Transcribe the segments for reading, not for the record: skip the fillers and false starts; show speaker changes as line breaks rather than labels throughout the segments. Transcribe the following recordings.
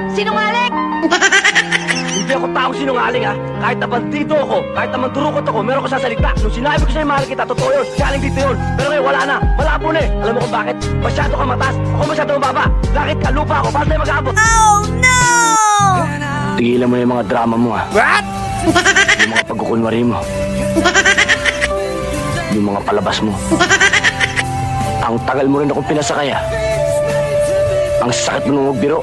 Sinungaling!
Hindi ako taong sinungaling ha. Kahit na bandito ako, kahit naman durukot ako, meron ko sasalita. Nung sinabi ko sa'yo mahal kita, totoo yun. Galing dito yun. Pero ngayon wala na. Malabo na eh. Alam mo kung bakit? Masyado ka mataas. Ako masyado mababa. Lakit ka, lupa ako. Paano tayo mag-aabot?
Oh no!
Tigilan mo na yung mga drama mo ha.
What?
Yung mga pagkukunwari mo. Yung mga palabas mo. Ang tagal mo rin akong pinasakay ha. Ang sakit mo nung magbiro.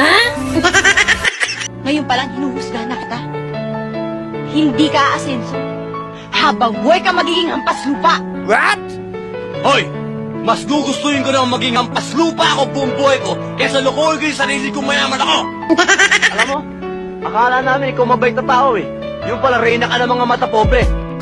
Ngayon palang hinuhusgahan na kita. Hindi ka aasenso. Habang buhay ka magiging hampas lupa.
What?
Hoy! Mas gugustuhin ko na maging hampas lupa ako buong buhay ko kaysa lukuhin ko yung sarili kong mayaman ako!
Alam mo, akala namin ikaw mabait na tao eh. Yung pala reyna ka ng mga mata pobre.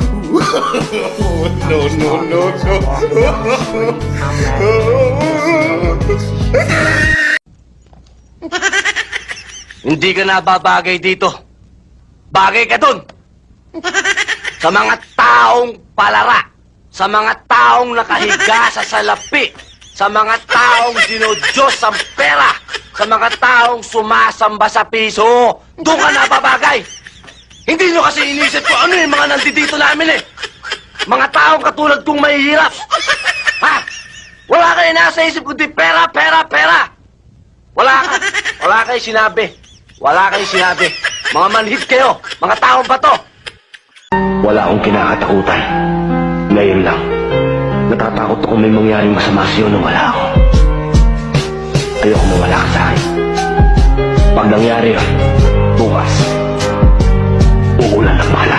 Hindi ka nababagay dito. Bagay ka dun. Sa mga taong palara. Sa mga taong nakahiga sa salapi. Sa mga taong dinudyos ang pera. Sa mga taong sumasamba sa piso. Doon ka nababagay. Hindi nyo kasi inisip ko ano yung mga nandito namin eh. Mga taong katulad kong mahihirap. Ha? Wala kayo nasa isip kundi pera, pera, pera. Wala kayo sinabi. Wala kayo sinabi. Mga manhid kayo. Mga taong bato. Wala akong kinakatakutan. Ngayon lang. Natatakot ako may mangyaring masama sa'yo nung wala ako. Ayoko mawala ka sa akin. Pag nangyari yun, bukas, uulan ng bala.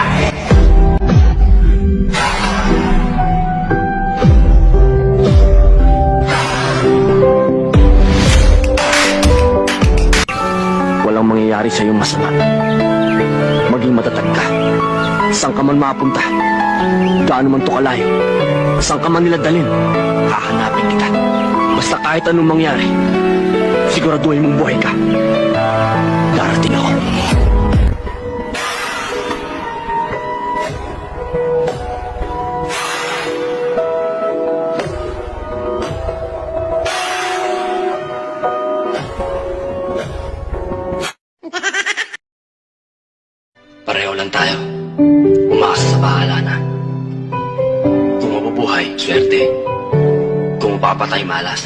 Walang mangyayari sa'yo masama. Maging matatag ka. Saan ka man mapunta? Gaano man to kalayo? Saan ka man nila dalhin? Hahanapin kita. Basta kahit anong mangyari, siguraduhin mong buhay ka. Darating ako. Pareho lang tayo. Umaasa sa bahala na. Kung mabubuhay, swerte. Kung mapapatay, malas.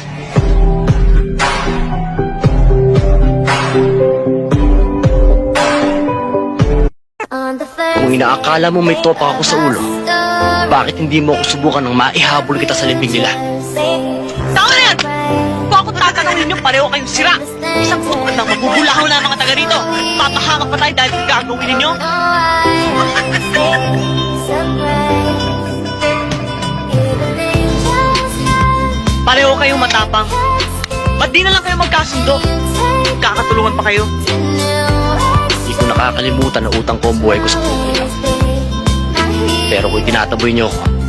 Kung inaakala mo may topa ako sa ulo, bakit hindi mo ako subukan ng maihabol kita sa libing nila?
Tama na yan! Kung ako tatanungin nyo, pareho kayong sira. Isang pukad lang, mabubulahaw na ang mga taga rito. Papahamak pa tayo dahil gagawin ninyo. Pareho kayong matapang. Ba't di na lang kayo magkasundo? Kakatulungan pa kayo.
Hindi ko nakakalimutan na utang ko ang buhay ko sa puno. Pero kung tinataboy niyo ako,